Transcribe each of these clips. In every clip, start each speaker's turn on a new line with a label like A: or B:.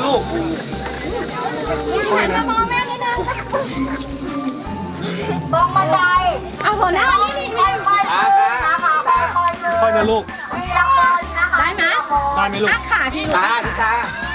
A: ลูกค่อยนะ
B: มองแม่นิดนึงมองบันไดเอาหัวหน้านี่ค่อยๆนะคะค่อยๆ
A: ค่อยนะลูก
B: ได้ไหม
A: ได้ไหมลูก
B: ขาสิลูกขา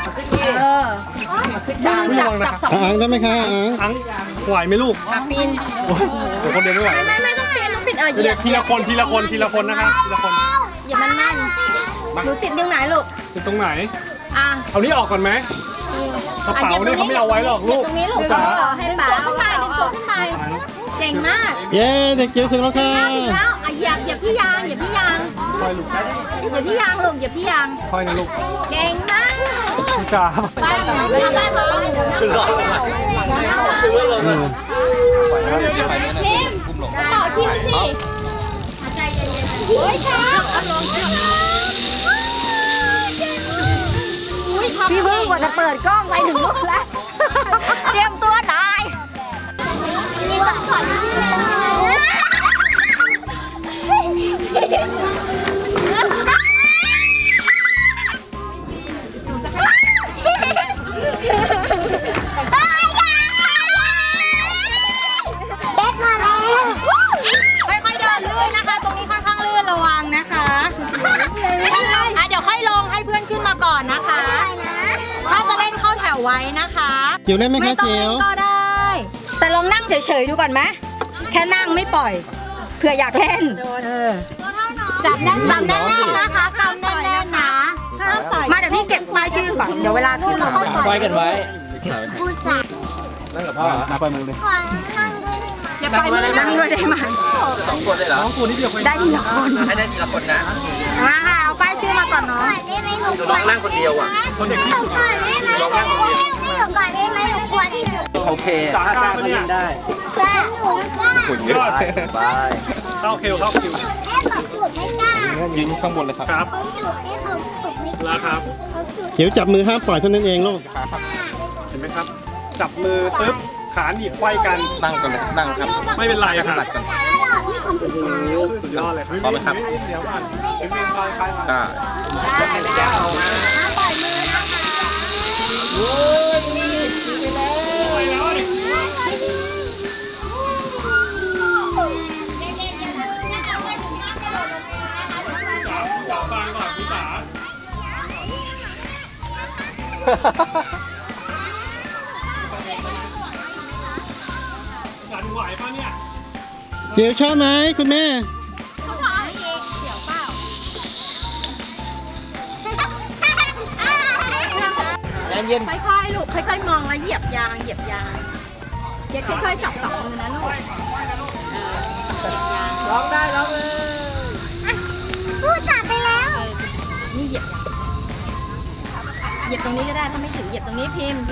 B: จับสอง
C: อ่างได้ไหมคะอ่าง
A: ไหวไหมลูก
B: ปีน
A: เดี๋ยวคนเดียวไม่ไหว
B: ไม่ต้องปีนเหยี
A: เดี๋
B: ย
A: ยว
B: บ
A: ทีละคนนะครับทีละคน
B: อย่ามันหนูติดตรงไหนลูก
A: เป็นตรงไหน
B: อ่ะ
A: เอานี้ออกก่อนไหมกระเป๋าเนี่ยเขาไม่เอาไว้หรอกลูก
B: ตรงนี้ลูกให้ป๋าดึงตัวขึ้นไปเก่งมาก
C: เย้เด็กจิ๋วถึงแล้วค่ะ
B: ถึงแล้วเหยียบที่ยางเหยียบที่ยาง
A: ค่อยลูก
B: เหยียบที่ยางลูกเหยียบที่ยาง
A: ค่อยนะลูก
B: เก่งมาก
A: จ้า
B: ไปขึ้นรถพิมต่อพิมสิโอ้ยครับพี่เพิ่งกว่าจะเปิดกล้องไปถึงรถแล้ว เตรียมตัวตายมีคนสอนพี่ค่อยๆเดินลื่นนะคะ ตรงนี้ค่อนข้างลื่นระวังนะคะเดี๋ยวค่อยลงให้เพื่อนขึ้นมาก่อนนะคะ ถ้าจะเล่นเข้าแถวไว้นะคะ
C: จิ๋วเล่นไหม
B: ไม่
C: คะ
B: ต้อง
C: จิ๋
B: เล่
C: วน
B: ก็ได้ แต่ลองนั่งเฉยๆดูก่อนไหมแค่นั่งไม่ปล่อยเผื่ออยากเล่นจับแน่นๆนะคะกำแน่นๆนะมาเดี๋ยวพี่เก็บป้ายชื่อก่อนเดี๋ยวเวลาขึ้นเราค่อยปล่อย
D: ไว้กันไว้
B: พูดจับ
D: นั่งกับพ่อ
A: นับไปมือเลย
B: อย่าปล่อยมือนั่งด้วยได้ไหม
D: สองคนได้เหรอ
A: น้องตัวนี้เดียวคุย
B: ได้ทีละคน
D: ให้ได้ทีละคนนะ
B: มาค่ะเอาป้ายชื่อมาก่อนเนาะ
D: น้องนั่งคนเดียวอ่ะ
A: คนเด็กที่สุด
D: น้องนั่งคนเดียวโอเค
A: จ้าเขาเล่นได้
D: คุณเยอะบาย
A: เข้าคิว
D: ยืนข้างบนเลยครับ
A: ครับแล้วครับ
C: จิ๋วจับมือห้ามปล่อยเท่านั้นเองลูก
A: เห็นไหมครับ จับมือปึ๊บขาหนีบไขว้กัน
D: นั่งกันเลยนั่งครับ
A: ไม่เป็นไรครับ
D: หลักกัน
A: สุดยอดเลย
D: พร้อมไหมครับ
A: เดี๋ยวก่อน
D: อ่า
A: ฟังก่อนพี่จ๋ากันไหวป่ะเนี่ย
C: จิ๋วชอบไหมคุณแม่
D: เย็น
B: ค่อยๆลูกค่อยๆมองแล้วเหยียบยางเย็ดค่อยๆจับสองมือนะลูก
D: ร้องได้ร้องเลย
B: พูดจับไปแล้วนี่เหยียบยางเหยียบตรงนี้ก็ได้ถ้าไม่ถึงเหยียบตรงนี้พิมพ์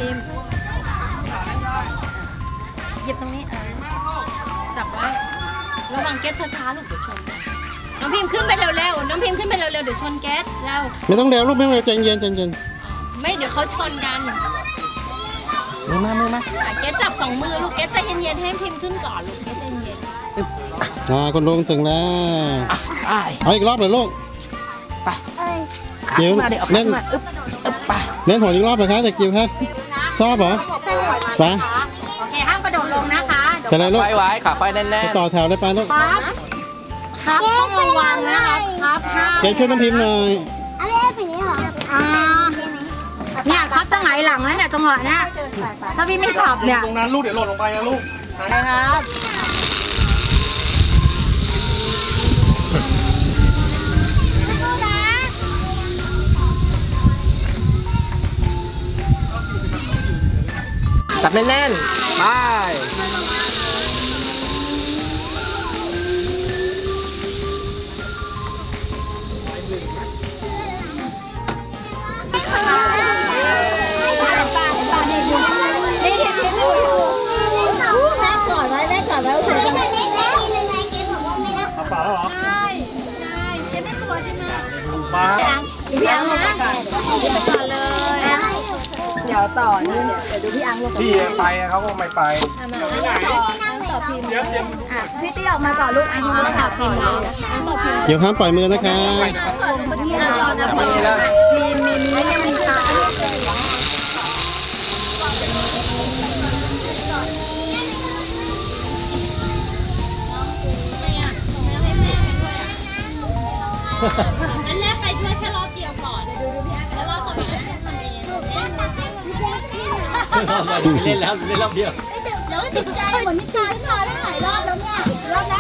B: เหยียบตรงนี้จับไว้ระวังเก็ตช้าๆลูกเดี๋ยวชนน้องพิมพ์ขึ้นไปเร็วๆน้องพิมพ์ขึ้นไปเร็วๆเดี๋ยวชนเก็ตแล้ว
C: ไม่ต้องเร็วลูกไม่ต้องเร็วใจเย็นใจเย็น
B: ไม่เดี๋ยวเขาชนกัน
C: มือมา
B: เก็ตจับสองมือลูกเก็ตใจเย็นๆให้พิมพ์ขึ้นก่อนลูกเก็ตใจเย็น
C: คุณลุงถึงแล้วเอาอีกรอบเลยลูก
D: ไป
C: จิ๋ว
D: มาเดี๋ยวเอา
C: เล่น
D: มาอึ๊บไป
C: เล่นหอยอีกรอบเหรอคะเด็กจิ๋วครับชอบเหรอไป
B: โอเคห้ามกระโดดลงนะคะ
C: จะอะไรลูก
D: ไว้ขาไฟแน่น
C: ไปต่อแถวเลยไปลูก
B: ครับต้องระวังนะครับห้าม
C: เจ๊ช่วยน้ำพิมพ์หน่อย
B: เนี่ยครับจะหงายหลังแล้วเนี่ยจังหวะเนี้ยถ้าพี่ไม่จับเนี่ย
A: ตรงนั้นลูกเดี๋ยวหล่นลงไปนะลูก
B: ไปครับ
D: ๆจับแน่นๆไป
A: เอาเปล่าแล้วเหรอ มา
B: พี่อังลงไปก่อนเลย เดี๋ยวต่อนี่เดี๋ยวดูพี่อังลง
A: พี่ไปเขาก็ไม่ไป
B: ต่อพิมพ์
A: เดี๋ยว
B: พี่ตี้ออกมาก่อนลูกอายุต่อพิมพ์แล้วต่อพิมพ์
C: เดี๋ยวห้ามปล่อยมือนะคะ
B: พี่อังรอนะพิมพ์มีตา
E: งั้นแม่ไปด้วยแค่รอบเดียวก่อนแล้วรอบต่อไปแม่ทำเอง
F: เล่นแล้วเล่นรอบเดียว
E: เดี๋ยวติดใจเหมือนนิชาที่มาได้หลายรอบแล้วเนี่ยรอบนะ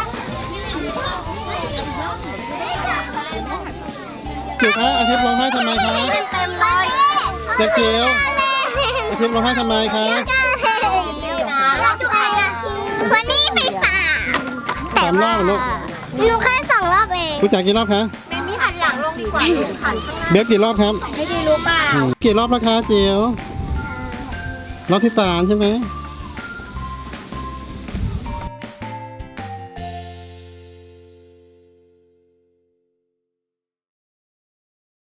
C: จิ๋วคะอาทิตย์ร้องไห้ทำไมคะ
D: เต็มเลย
C: เจ๊จิ๋วอาทิตย์ร้องไห้ทำไมคะ
D: วันนี้ไปฝาก
C: 3 รอบเหรอลูก
D: หนูแค่2 รอบเอง
C: รู้จักกี่รอบคะ
B: มีหันหลังลงดีกว่าหัน
C: เบฟกี่รอบครับ
B: ไม่ดีรู้เปล่า
C: กี่รอบแล้วคะจิ๋วรอบที่ 3ใช่ไหม